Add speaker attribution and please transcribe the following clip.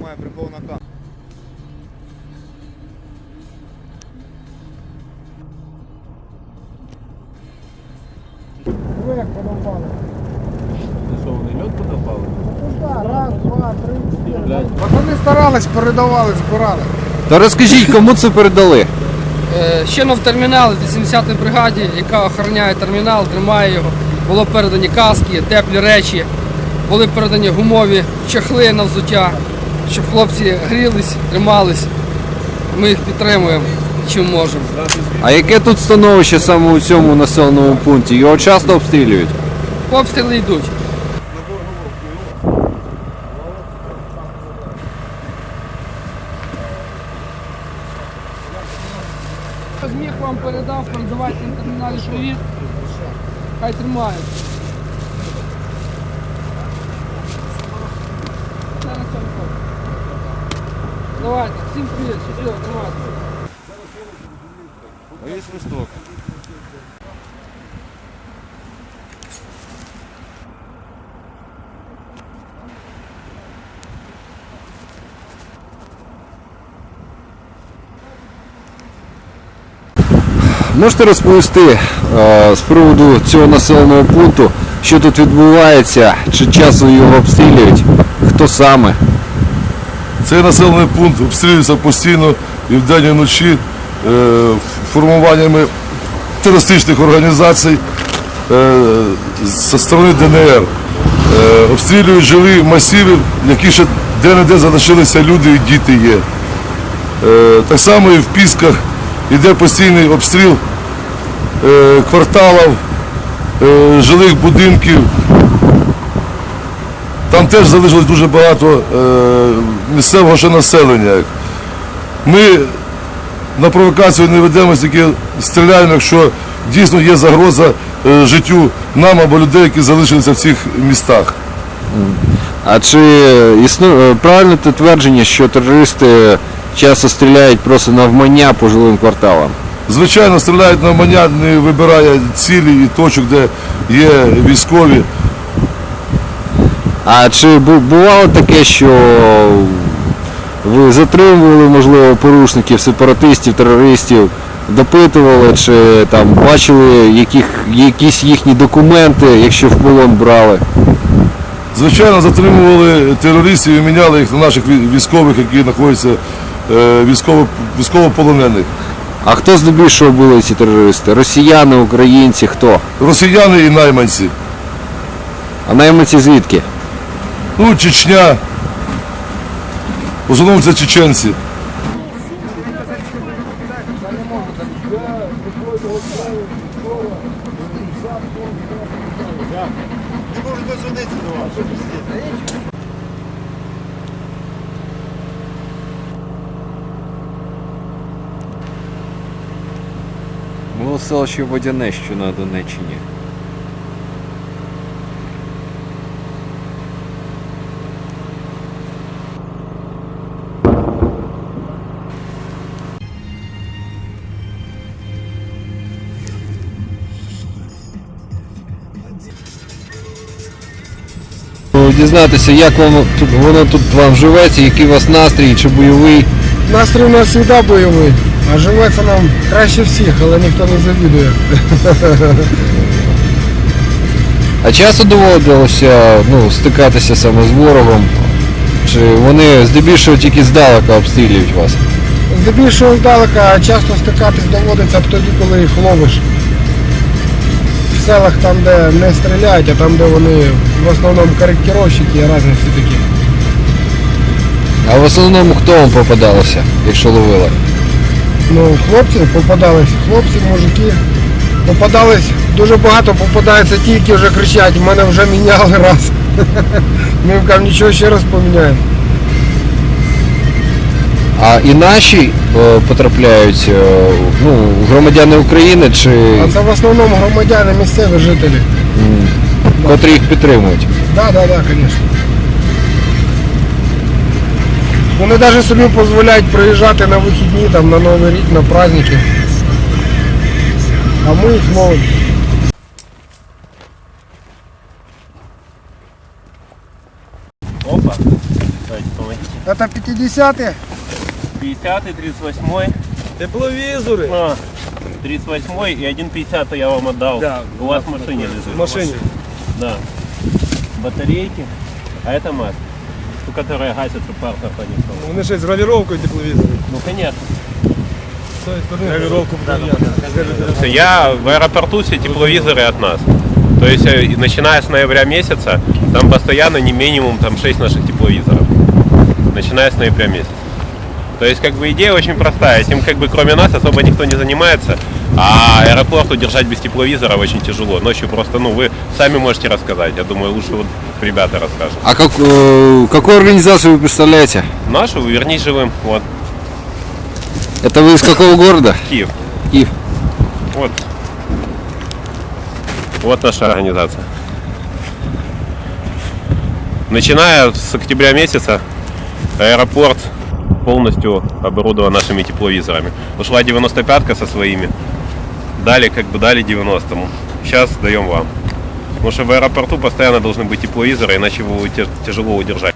Speaker 1: знімає прихована камера.
Speaker 2: Ви як подовбали?
Speaker 3: Ти що, вони льот подопали?
Speaker 2: Ну так, раз, два, три, чотири. Вони старались, передавали, збирали.
Speaker 4: Та розкажіть, кому це передали?
Speaker 5: Щойно в терміналі 80-й бригаді, яка охороняє термінал, тримає його. Було передані каски, теплі речі, були передані гумові чохли на взуття, щоб хлопці грілись, тримались. Ми їх підтримуємо, чим можемо.
Speaker 4: А яке тут становище саме у цьому населеному пункті? Його часто обстрілюють?
Speaker 5: Обстріли йдуть. Зміг вам передав, передавайте на терміналі привіт. Хай тримають. Давайте, всім привіт, щасливо, тримайте.
Speaker 3: Ось свисток.
Speaker 4: Можете розповісти з приводу цього населеного пункту, що тут відбувається, чи часом його обстрілюють, хто саме?
Speaker 6: Цей населений пункт обстрілюється постійно і вдень, і вночі формуваннями терористичних організацій зі сторони ДНР. Обстрілюють жилі масиви, які ще де-не-де залишилися люди і діти є. Так само і в Пісках йде постійний обстріл кварталів, жилих будинків. Там теж залишилось дуже багато місцевого ще населення. Ми на провокацію не ведемо, тільки стріляємо, якщо дійсно є загроза життю нам або людей, які залишилися в цих містах.
Speaker 4: А чи існує правильне те твердження, що терористи часто стріляють просто навмання по жилим кварталам?
Speaker 6: Звичайно, стріляють навмання, не вибирає цілі і точок, де є військові.
Speaker 4: А чи бувало таке, що ви затримували, можливо, порушників, сепаратистів, терористів, допитували, чи там бачили якісь їхні документи, якщо в полон брали?
Speaker 6: Звичайно, затримували терористів і міняли їх на наших військових, які знаходяться військовополонених.
Speaker 4: А хто здебільшого були ці терористи? Росіяни, українці, хто?
Speaker 6: Росіяни і найманці.
Speaker 4: А найманці звідки?
Speaker 6: Ну, Чечня. В основному це чеченці.
Speaker 4: Було селище Водяне, що на Донеччині. Дізнатися, як воно тут вам живеться, який у вас настрій, чи бойовий.
Speaker 2: Настрій у нас завжди бойовий, а живеться нам краще всіх, але ніхто не завідує.
Speaker 4: А часто доводилося стикатися саме з ворогом? Чи вони здебільшого тільки здалека обстрілюють вас?
Speaker 2: Здебільшого здалека, а часто стикатись доводиться тоді, коли їх ловиш. В селах там, де не стріляють, а там, де вони в основному коректировщики і різні всі такі.
Speaker 4: А в основному хто вам попадалося, якщо ловили?
Speaker 2: Ну, хлопці попадались, хлопці, мужики. Попадались, дуже багато попадається ті, які вже кричать, мене вже міняли раз. Ми їм кажемо, нічого, ще раз поміняємо.
Speaker 4: А і наші потрапляють, громадяни України чи
Speaker 2: А це в основному громадяни, місцеві жителі.
Speaker 4: котрі їх підтримують?
Speaker 2: Так, звісно. Вони навіть собі дозволяють приїжджати на вихідні, там, на Новий рік, на праздники. А ми їх ловимо.
Speaker 3: Опа.
Speaker 2: Это 50-е?
Speaker 1: 50-й, 38-й.
Speaker 3: Тепловізори.
Speaker 1: 38-й и 1,50 я вам отдал.
Speaker 3: Да,
Speaker 1: У вас в машине лежит.
Speaker 3: В машині.
Speaker 1: Да. Батарейки. А это маска. Ту, которая гасит, чтобы пар проходил.
Speaker 3: Вони ще з гравіровкою тепловізори.
Speaker 1: Ну, конечно.
Speaker 3: З тої сторони гравіровку буде.
Speaker 1: Я в аэропорту, все тепловизоры от нас. То есть, начиная с ноября месяца, там постоянно не минимум там 6 наших тепловизоров. Начиная с ноября месяца. То есть, как бы, идея очень простая. Этим, как бы, кроме нас особо никто не занимается. А аэропорт удержать без тепловизоров очень тяжело. Ночью просто, ну, вы сами можете рассказать. Я думаю, лучше вот ребята расскажут.
Speaker 4: А какую организацию вы представляете?
Speaker 1: Нашу верни живым. Вот,
Speaker 4: Это вы из какого города?
Speaker 1: Киев.
Speaker 4: Киев.
Speaker 1: Вот. Вот наша организация. Начиная с октября месяца аэропорт полностью оборудован нашими тепловизорами. Ушла 95-ка со своими. Дали 90-му. Сейчас даем вам. Потому что в аэропорту постоянно должны быть тепловизоры, иначе его тяжело удержать.